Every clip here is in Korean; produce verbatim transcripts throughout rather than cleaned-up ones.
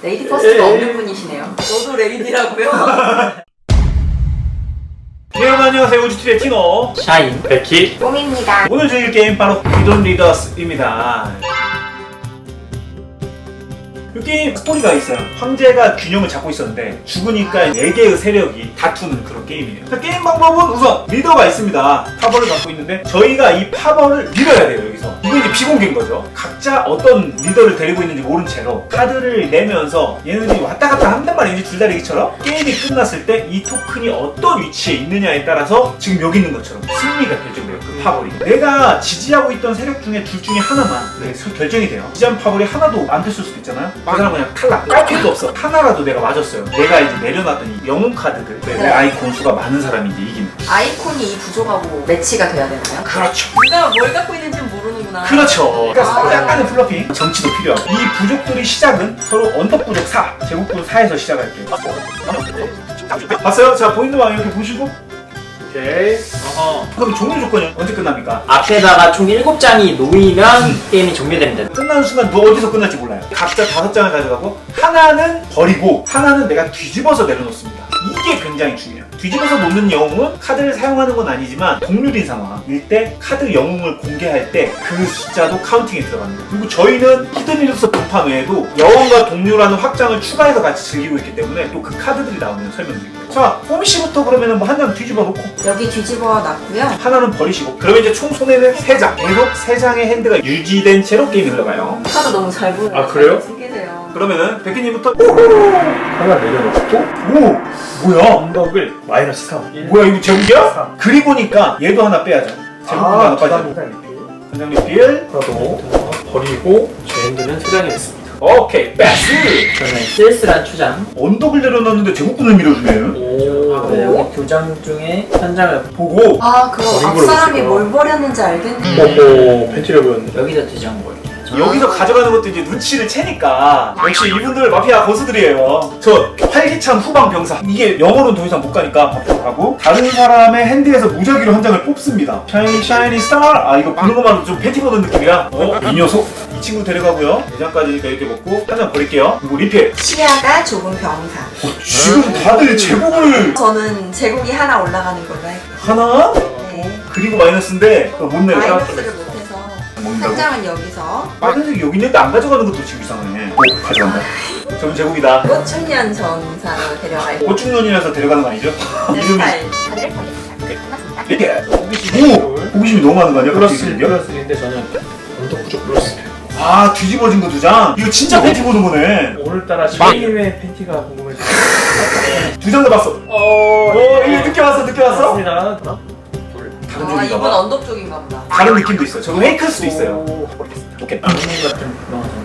레이디 퍼스트가 없는 분이시네요. 저도 레이디라고요? 네, 여러분 안녕하세요. 우주티의 티노 샤인 베키 뽕입니다. 오늘 즐길 게임 바로 기돈 리더스입니다. 이 게임 스토리가 있어요. 황제가 균형을 잡고 있었는데 죽으니까 네 개의 세력이 다투는 그런 게임이에요. 자, 게임 방법은 우선 리더가 있습니다. 파벌을 갖고 있는데 저희가 이 파벌을 밀어야 돼요. 여기서 이거 이제 비공개인 거죠. 각자 어떤 리더를 데리고 있는지 모른 채로 카드를 내면서 얘네들이 왔다 갔다 한단 말이지, 줄다리기처럼. 게임이 끝났을 때 이 토큰이 어떤 위치에 있느냐에 따라서 지금 여기 있는 것처럼 승리가 결정돼요. 그 파벌이 내가 지지하고 있던 세력 중에 둘 중에 하나만 네, 결정이 돼요. 지지한 파벌이 하나도 안 됐을 수도 있잖아요. 그 사람 그냥 탈락, 깔 필요도 없어. 하나라도 내가 맞았어요. 내가 이제 내려놨더니 영웅 카드들, 내 네. 아이콘 수가 많은 사람이 이제 이기는. 아이콘이 이 부족하고 매치가 돼야 되나요? 그렇죠. 누가 뭘 갖고 있는지 모르는구나. 그렇죠. 그러니까 아. 약간의 플러핑, 정치도 필요하고. 이 부족들이 시작은 서로 언덕 부족 사, 제국 부족 사에서 시작할게요. 봤어요? 자, 보이는 방 이렇게 보시고. 오케이. 어허. 그럼 종료 조건이 언제 끝납니까? 앞에다가 총 일곱 장이 놓이면 게임이 종료됩니다. 끝나는 순간 너 어디서 끝날지 몰라요. 각자 다섯 장을 가져가고 하나는 버리고 하나는 내가 뒤집어서 내려놓습니다. 이게 굉장히 중요해요. 뒤집어서 놓는 영웅은 카드를 사용하는 건 아니지만 동률인 상황일 때 카드 영웅을 공개할 때 그 숫자도 카운팅에 들어갑니다. 그리고 저희는 히든 리더스 분판 외에도 여왕과 동률하는 확장을 추가해서 같이 즐기고 있기 때문에 또 그 카드들이 나오면 설명드릴게요. 자, 포미씨부터 그러면 뭐 한 장 뒤집어 놓고 여기 뒤집어 놨고요. 하나는 버리시고, 그러면 이제 총 손에는 세 장, 계속 세 장의 핸드가 유지된 채로 게임이 흘러가요. 카드 너무 잘 보여요. 아, 그래요? 숨기세요. 그러면은 백희님부터. 하나 내려놓고 오! 뭐야? 언덕을 마이너스 삼. 뭐야, 이거 제국이야? 그리 보니까 얘도 하나 빼야죠. 제국도 하나 빠져. 한장 리필. 하나도 버리고 제 핸드는 세 장이 됐습니다. 오케이, 패스! 저는 쓸쓸한 추장. 언덕을 내려놨는데 제국군을 밀어주네. 오. 하고 여기 두 장 중에 한 장을 보고. 아, 그럼 버린 앞 걸로 사람이 보시구나. 뭘 버렸는지 알겠네. 오호. 펜티력은 여기다 두 장 볼게요. 여기서 가져가는 것도 이제 눈치를 채니까. 역시 이분들 마피아 고수들이에요. 저 활기찬 후방 병사. 이게 영어로는 더 이상 못 가니까 앞으로 가고, 다른 사람의 핸드에서 무작위로 한 장을 뽑습니다. 샤이니 샤이니 스타. 아, 이거 보는 것만으로 좀 팬티 보는 느낌이야. 어? 이 녀석? 이 친구 데려가고요. 네 장까지니까 이렇게 먹고 한 장 버릴게요. 그리고 리필. 시야가 좁은 병사. 어, 지금 다들 제국을 저는 제국이 하나 올라가는 걸로 할게요. 하나? 네. 그리고 마이너스인데 그거 못 내요. 마이너스를 못해서 먹는다고? 한 장은 여기서. 빨간색이 여기 있는데 안 가져가는 것도 지금 이상해. 오, 가져간다. 저는 제국이다. 꽃중년 전사로 데려갈게요. 고충년이라서 데려가는 거 아니죠? 내 이름이 스타일. 다들 보겠습니다. 이렇게. 호기심이 오! 호기심이 너무 많은 거 아니야? 플러스 갑자기 일, 이름이요? 플러스 일인데 저는 언덕 부족 플러스 일. 아, 뒤집어진 거 두 장? 이거 진짜 팬티 보는 거네. 오늘따라 샤인님의 팬티가 궁금해서. 두 장 다 봤어. 어. 어, 이거 늦게 왔어, 늦게 왔어? 맞습니다. 하나, 둘. 다른 아, 쪽인가 이분 봐. 언덕 쪽인가 보다. 다른 느낌도 있어요. 저거 페이크일 수도 있어요. 오, 버리겠습니다. 오케이. 동물 같은 그런 거.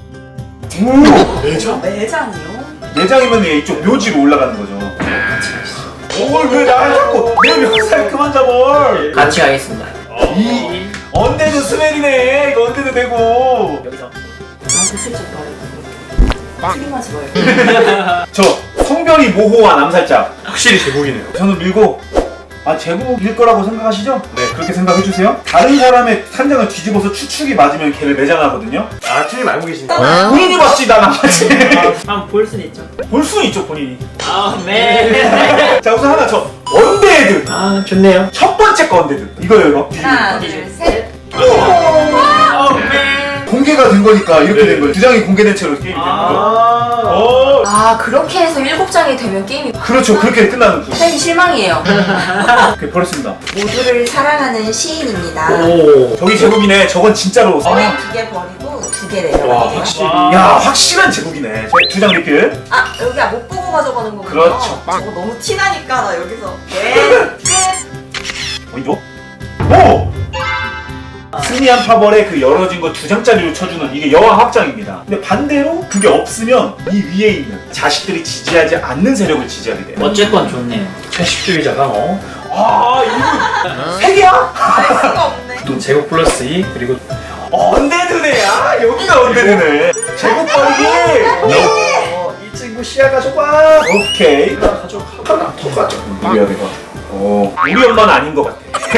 오! 네 장? 매장이요? 네 장이면 얘 이쪽 묘지로 올라가는 거죠. 뭘 왜 나를 자꾸 내 묘살 그만 잡아. 같이 가겠습니다. 이 언데드 스멜이네. 이거 언데드 되고. 여기서 나한테 슬쩍 말해. 트림하지 말고. 저 성별이 모호한 암살자. 확실히 제목이네요. 저는 밀고, 아, 제국일 거라고 생각하시죠? 네. 그렇게 생각해 주세요. 다른 사람의 산장을 뒤집어서 추측이 맞으면 걔를 매장하거든요. 아, 틀림 알고 계신다. 본인이 봤지, 난 안 봤지. 한번 볼 수는 있죠. 볼 수는 있죠, 본인이. 아, 네. 자, 우선 하나 저 언데드. 아, 좋네요. 첫 번째 거 언데드. 이거예요, 이거. 하나, 둘, 셋. 어, 네. 공개가 된 거니까 이렇게 네. 된 거예요. 두 장이 공개된 채로 게임이 되는 거죠. 아. 어, 아, 그렇게 해서 일곱 장이 되면 게임이. 그렇죠. 그렇게 끝나는 거. 팬 실망이에요. 오케이, 버렸습니다. 모두를 사랑하는 시인입니다. 오. 저기 제국이네. 저건 진짜로. 저희 아, 두 개 버리고 두 개 와, 내려가요. 확실히. 와. 야, 확실한 제국이네. 두 장 리필. 아, 여기 못 보고 가져가는 거군요. 그렇죠. 저거 너무 티나니까 나 여기서. 네. 끝. 어이죠? 오! 승리한 파벌에 그 열어진 거 두 장짜리로 쳐주는 이게 여왕 확장입니다. 근데 반대로 그게 없으면 이 위에 있는 자식들이 지지하지 않는 세력을 지지하게 돼요. 어쨌건 좋네요. 채식주의자가 어. 아, 이거 핵이야? 알 수가 없네. 또 제곱 플러스 이 그리고 언데드네. 아, 여기가 언데드네. 제국 버리기. 어, 이 친구 시야가 좁아. 오케이. 하나 가져. 하나 더 가져. 누구야 내가? 어, 우리 엄마는 아닌 것 같아.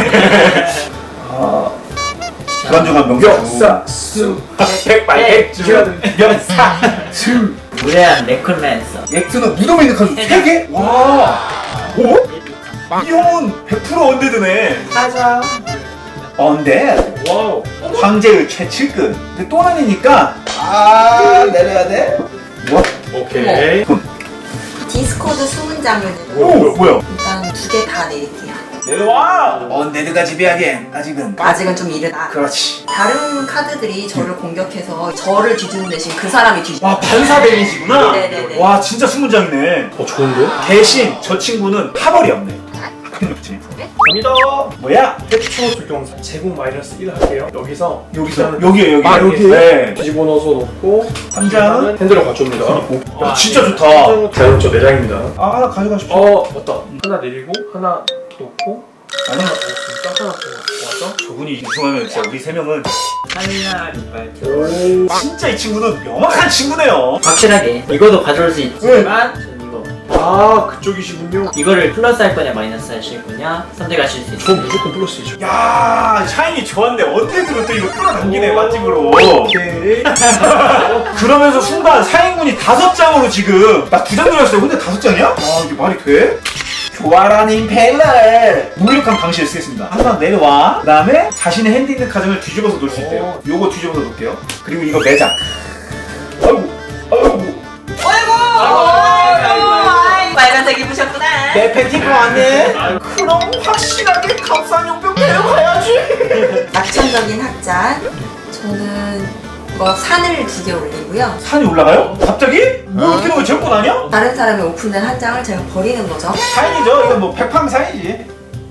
아, 불안정한 명사. 역사 수 백발백중 명사. 수. 무례한 네클랜서. 엑스는 무덤에 있는 카드 세 개? 와. 오? 이 형은 백 퍼센트 언데드네. 맞아. 언데드. 와우. 황제의 최측근. 근데 또 나뉘니까 아 내려야 돼? 뭐? 오케이. 디스코드 수문장을 오, 뭐야? 일단 두 개 다 내릴게요. 내려와. 언데드가 지배하기엔 아직은. 아직은 좀 이르다. 그렇지. 다른 카드들이 저를 공격해서 저를 뒤지는 대신 그 사람이 뒤지. 와, 반사 데미지구나. 네네네. 와, 진짜 수문장이네. 어 좋은데? 대신 저 친구는 파벌이 없네. 그렇지. 갑니다. 뭐야? 해초 적용사 제곱 마이너스 일 할게요. 여기서 여기서 여기에 여기. 아 여기? 네. 뒤집어 넣어서 놓고 한 장은 핸들을 가져옵니다. 야, 진짜 좋다. 자연스럽죠 내장입니다. 아, 하나 가져가십시오. 어 맞다. 하나 내리고 하나 놓고 아니, 하나 진짜 하나 더 왔죠? 저분이 우승하면 진짜 우리 세 명은 하늘날 이빨. 오. 진짜 이 친구는 명확한 친구네요. 확실하게 이거도 가져올 수 있지만 전 이거. 아 그쪽이시군요. 이거를 플러스 할 거냐 마이너스 하실 거냐 선택하실 수 전 있어요. 무조건 플러스이죠. 야, 샤인이 좋았네. 언데드로 또 이거 끌어당기네, 오. 맛집으로. 오케이. 그러면서 순간 사인군이 다섯 장으로 지금 나 두 장 들었어요. 근데 다섯 장이야? 와, 이게 말이 돼? 교활한 임펠러를 무력한 방식을 쓰겠습니다. 하나 내려와. 그 다음에 자신의 핸드 있는 카드를 뒤집어서 놓을 수 있대요. 요거 뒤집어서 놓을게요. 그리고 이거 매장. 아이고, 아이고. 어이구! 아이고, 아이고! 빨간색 입으셨구나. 내 팬티가 왔네. 그럼 확실하게 값싼 용병 데려가야지. 낙천적인 학장. 저는 이거 산을 두 개 올리고요. 산이 올라가요? 갑자기? 뭐 이렇게 놓으면 제건 아니야? 다른 사람이 오픈된 한 장을 제가 버리는 거죠. 사인이죠. 이건 뭐 백팡 사인이지.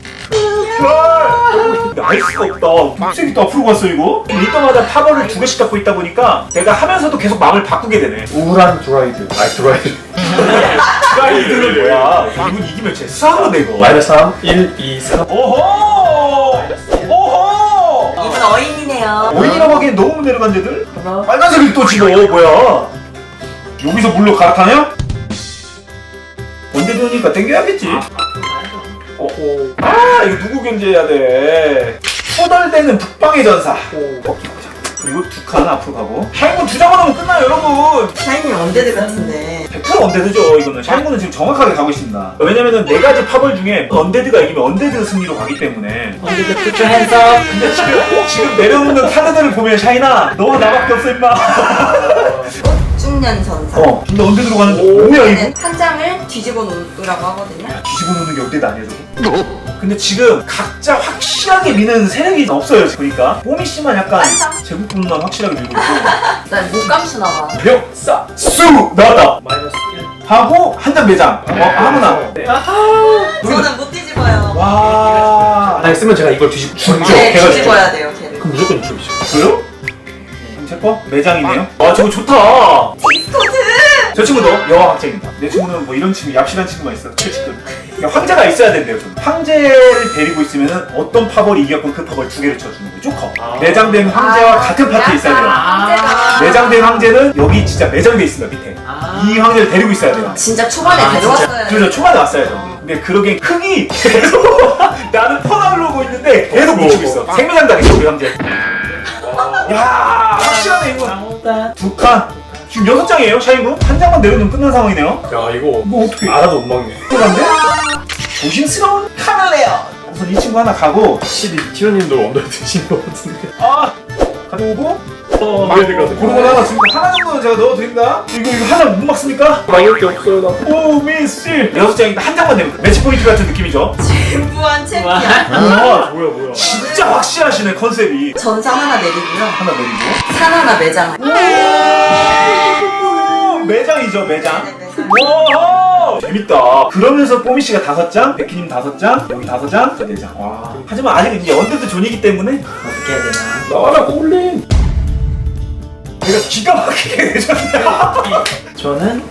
헐! 알 수가 없다. 녹색이 또 앞으로 갔어 이거. 이때마다 파벌을 두 개씩 갖고 있다 보니까 내가 하면서도 계속 마음을 바꾸게 되네. 우울한 드라이드. 아 드라이드. 드라이드는 뭐야? 이분 이기면 제 싸우네 이거. 마이너스 삼, 일, 이, 삼. 오호! 오호! 이분 어인이네요. 오인이라고 하기엔 너무 내려간 데들? 하나. 빨간색이 또 집어. 뭐야? 여기서 물로 갈아타냐? 언제도니까 땡겨야겠지. 오. 오. 아, 이거 누구 견제해야 돼? 후덜대는 북방의 전사. 오. 그리고 두 칸 앞으로 가고. 샤인군 두 장만 하면 끝나요, 여러분. 샤이니 언데드 같은데. 백 퍼센트 언데드죠, 이거는. 샤인군은 지금 정확하게 가고 있습니다. 왜냐면은 네 가지 파벌 중에 언데드가 이기면 언데드 승리로 가기 때문에. 언제도 투표 핸섬. 근데 지금, 지금 내려오는 카드들을 보면 샤이나, 너와 나밖에 없어, 임마. 꽃중년선사. 어, 근데 언데드로 가는 거 오. 뭐야, 이거? 얘는 한 장을 뒤집어 놓으라고 하거든요. 뒤집어 놓는 게 언데드 아니야, 저거? 근데 지금 각자 확실하게 미는 세력이 없어요, 보니까. 뽀미 씨만 약간 완성. 제국분만 확실하게 밀고 있고. 난 목감수 나와. 멱사 수 나왔다. 마이너스 일. 하고 한 장 매장. 어, 아무나. 저는 못 뒤집어요. 와. 아니 쓰면 제가 이걸 뒤집. 진짜? 네, 걔가 뒤집어야 돼요, 걔를. 그럼 무조건 이쪽이죠. 그래요? 그럼 제 거? 매장이네요. 와, 저거 좋다. 디스코드! 저 친구도 여왕 학생입니다. 내 친구는 뭐 이런 친구, 얍실한 친구만 있어. 최측근. 그러니까 황제가 있어야 된대요. 좀. 황제를 데리고 있으면 어떤 파벌이 이겼건 그 파벌 두 개를 쳐주는 거예요. 조커. 아. 매장된 황제와 아, 같은 파티에 있어야 돼요. 황제가. 매장된 황제는 여기 진짜 매장돼 있습니다, 밑에. 아. 이 황제를 데리고 있어야 돼요. 진짜 초반에 아, 데려왔어요. 그래서 초반에 왔어야죠. 근데 그러기엔 흥이 계속 나는 퍼나르고 있는데 계속 묻히고 있어. 생매장 당했어, 우리 황제. 야, 확실하네, 이거. 아무다. 두 칸. 지금 여섯 장이에요, 샤인군? 한 장만 내려놓으면 끝난 상황이네요. 야 이거 뭐 어떻게? 알아도 못 막네. 끝난데? 조심스러운 카멜레어. 우선 이 친구 하나 가고, 확실히 티오님도 언더 드신 것 같은데. 아, 가져오고, 어, 고르고 하나 지금 하나 정도는 제가 넣어드립니다. 이거 이거 하나 못 막습니까? 막을 게 없어요 나. 오, 미스. 여섯 장인데 한 장만 내면 매치 포인트 같은 느낌이죠. 진부한 챔피언. 와, 뭐야 뭐야. 진짜 확실하시네 컨셉이. 전사 하나 내리고요. 하나 내리고. 산 하나 매장. 오, 매장이죠, 매장. 네, 매장. 와, 재밌다. 그러면서 뽀미 씨가 다섯 장, 베키님 다섯 장, 여기 다섯 장, 저 네 장. 와. 하지만 아직 이제 언데드 존이기 때문에 어떻게 해야 되나? 나와라 고블린. 내가 기가 막히게 내줬네. 저는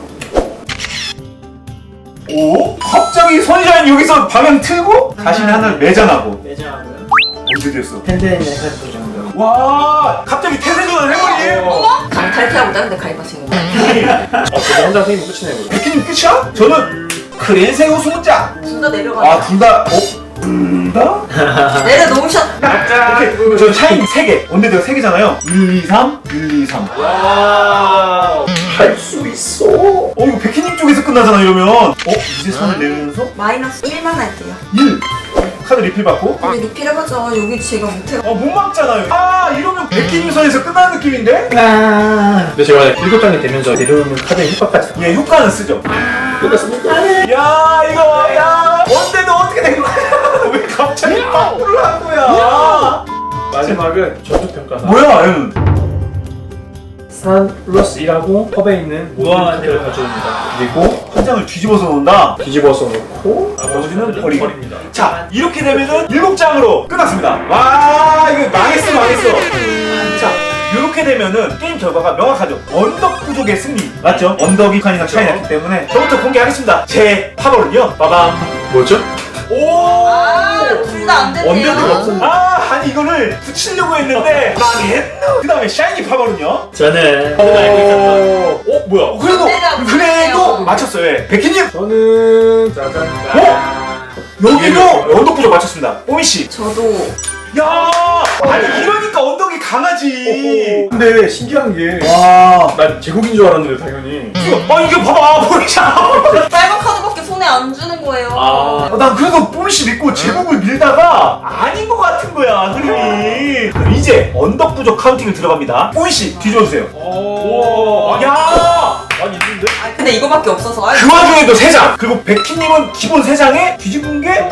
오, 갑자기 선샤인 여기서 방향 틀고 자신의 하나를 매장하고 매장하고요. 언데드였어. 팬데믹 카드 정도. 와, 갑자기 태세전을 해버리. 어머? 강탈 피하고 다른데 가입하신 건가요? 아 저도 혼자 생기면 끝이네요. 그럼. 베키님 끝이야? 저는 크랜새우 소자. 둘 다 내려가요. 아, 둘 다. 어? 둘 다? 내려놓으셨. 오케이. 저 샤인 세 개. 원대대가 세 개잖아요. 일, 이, 삼, 일, 이, 삼. 와. 할 수 있어. 어, 이거 백희님 쪽에서 끝나잖아, 이러면. 어? 이제 선을 내면서 마이너스 일만 할게요. 일. 카드 리필 받고. 근데 리필 해봤자 여기 제가 못해요. 어, 못 막잖아요. 아, 이러면 백희님 선에서 끝나는 느낌인데? 아. 근데 제가 일곱 장이 되면서 내려오는 카드의 효과까지 다 예, 효과는 쓰죠. 끝났습니다. 야, 이거, 야. 원대도 어떻게 된 거야? 왜 갑자기 파울을 한 거야? 마지막은 전투평가사. 뭐야, 얘는? 산 플러스 일하고 컵에 있는 무한한테를 가져옵니다. 그리고 한 장을 뒤집어서 놓는다. 뒤집어서 놓고 나머지는 버리고. 버립니다. 자, 이렇게 되면은 일곱 장으로 끝났습니다. 와, 이거 망했어, 망했어. 자, 이렇게 되면은 게임 결과가 명확하죠. 언덕 부족의 승리. 맞죠? 언덕이 칸이나 차이 났기 때문에 저부터 공개하겠습니다. 제 파벌은요. 빠밤. 뭐죠? 오! 아, 둘 다 안 됐네요. 언덕이 없었네. 아, 아니 이거를 붙이려고 했는데 망했노. 그 다음에 샤이니 파벌은요. 저는 어, 그거 알고 있었던 어 뭐야? 어, 그래도, 언덕이가 그래도 없었네요. 맞췄어요. 예. 백희님! 저는 짜잔. 여기도 언덕 부족 맞췄습니다. 오미씨. 저도 야, 아니 이러니까 언덕이 강하지. 근데 신기한 게, 와, 난 제국인 줄 알았는데 당연히. 아 이게 봐봐, 보이잖아. 빨간 카드밖에 손에 안 주는 거예요. 아. 어, 난 그래도 뽀미씨 믿고 제목을 밀다가 아닌 것 같은 거야, 흐름이. 그럼 이제 언덕 부족 카운팅을 들어갑니다. 뽀미씨 뒤져주세요. 오. 야, 많이 있는데? 아, 근데 이거밖에 없어서. 아, 그 와중에도 세 장. 그리고 백희님은 기본 세 장에 뒤집은 게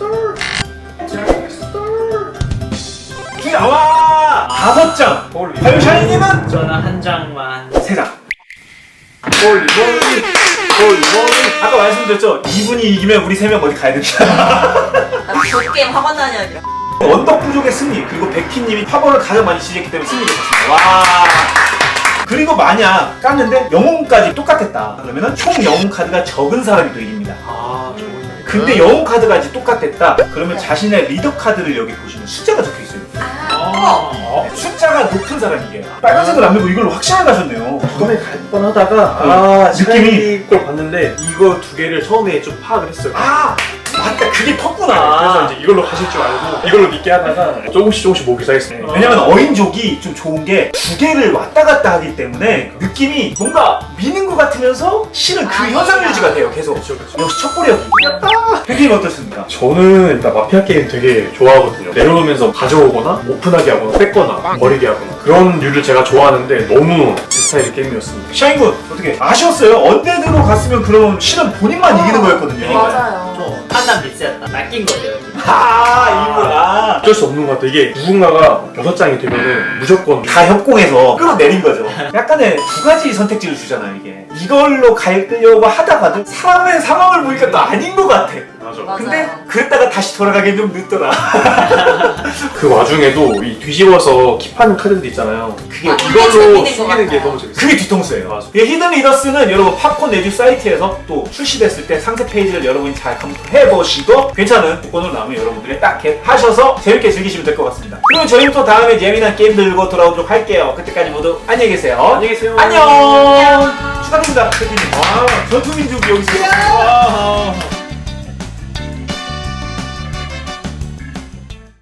와, 다섯 장. 과연 샤이님은 저는 한 장만. 세 장. 멀리 멀리 멀리 멀리. 아까 말씀드렸죠? 이분이 이기면 우리 세 명 어디 가야 됩니다. 저 게임 학원 다녀야 언덕 부족의 승리, 그리고 백희님이 파벌을 가장 많이 지졌기 때문에 승리를 했습니다. 와. 그리고 만약 깠는데 영웅까지 똑같았다. 그러면은 총 영웅 카드가 적은 사람이 또 이깁니다. 아, 좋은. 근데 영웅 카드까지 똑같았다. 그러면 자신의 리더 카드를 여기 보시면 숫자가 적혀 있어요. 아, 어. 숫자가 높은 사람이 이겨요. 빨간색을 안 밀고 이걸로 확실하게 가셨네요. 처음에 갈 뻔하다가 아 느낌이 걸 봤는데 이거 두 개를 처음에 좀 파악을 했어요. 아, 맞다. 그게 그래서 컸구나. 이제 이걸로 가실 줄 알고 이걸로 믿게 하다가 조금씩 조금씩 모기 시작했어요. 왜냐면 어인족이 좀 좋은 게 두 개를 왔다 갔다 하기 때문에 느낌이 뭔가 미는 것 같으면서 실은 그 아, 현상 유지가 돼요. 계속. 그렇죠, 그렇죠. 역시 첫보력이. 백님 어떻습니까? 저는 일단 마피아 게임 되게 좋아하거든요. 내려오면서 가져오거나 오픈하게 하거나 뺏거나 버리게 하거나 그런 류를 제가 좋아하는데 너무 제 스타일의 게임이었습니다. 샤인군 어떻게 아쉬웠어요? 언데드로 갔으면 그럼 실은 본인만 이기는 거였거든요. 맞아요. 저 판단 미스였다. 낚인 거죠. 아, 이분 아. 어쩔 수 없는 것 같아요. 이게 누군가가 여섯 장이 되면은 무조건 다 협공해서 끌어내린 거죠. 약간의 두 가지 선택지를 주잖아요, 이게. 이걸로 가려고 하다가도 사람의 상황을 보니까 또 아닌 것 같아. 맞아. 맞아요. 근데 그랬다가 다시 돌아가기 좀 늦더라. 그 와중에도 이 뒤집어서 킵하는 카드들 있잖아요. 그게 아, 이걸로 재밌는 것 숨기는 게 같아요. 너무 재밌어요. 그게 뒤통수예요. 맞아. 이 히든 리더스는 여러분 팝콘 내주 사이트에서 또 출시됐을 때 상세 페이지를 여러분이 잘 검토해보시고 괜찮은 조건으로 나오면 여러분들이 딱 하셔서 재밌게 즐기시면 될 것 같습니다. 그리고 저희는 또 다음에 재미난 게임 들고 돌아오도록 할게요. 그때까지 모두 안녕히 계세요. 안녕히 계세요. 안녕. 축하드립니다. 대표님. 와, 전투민족이 여기 있어요. 와.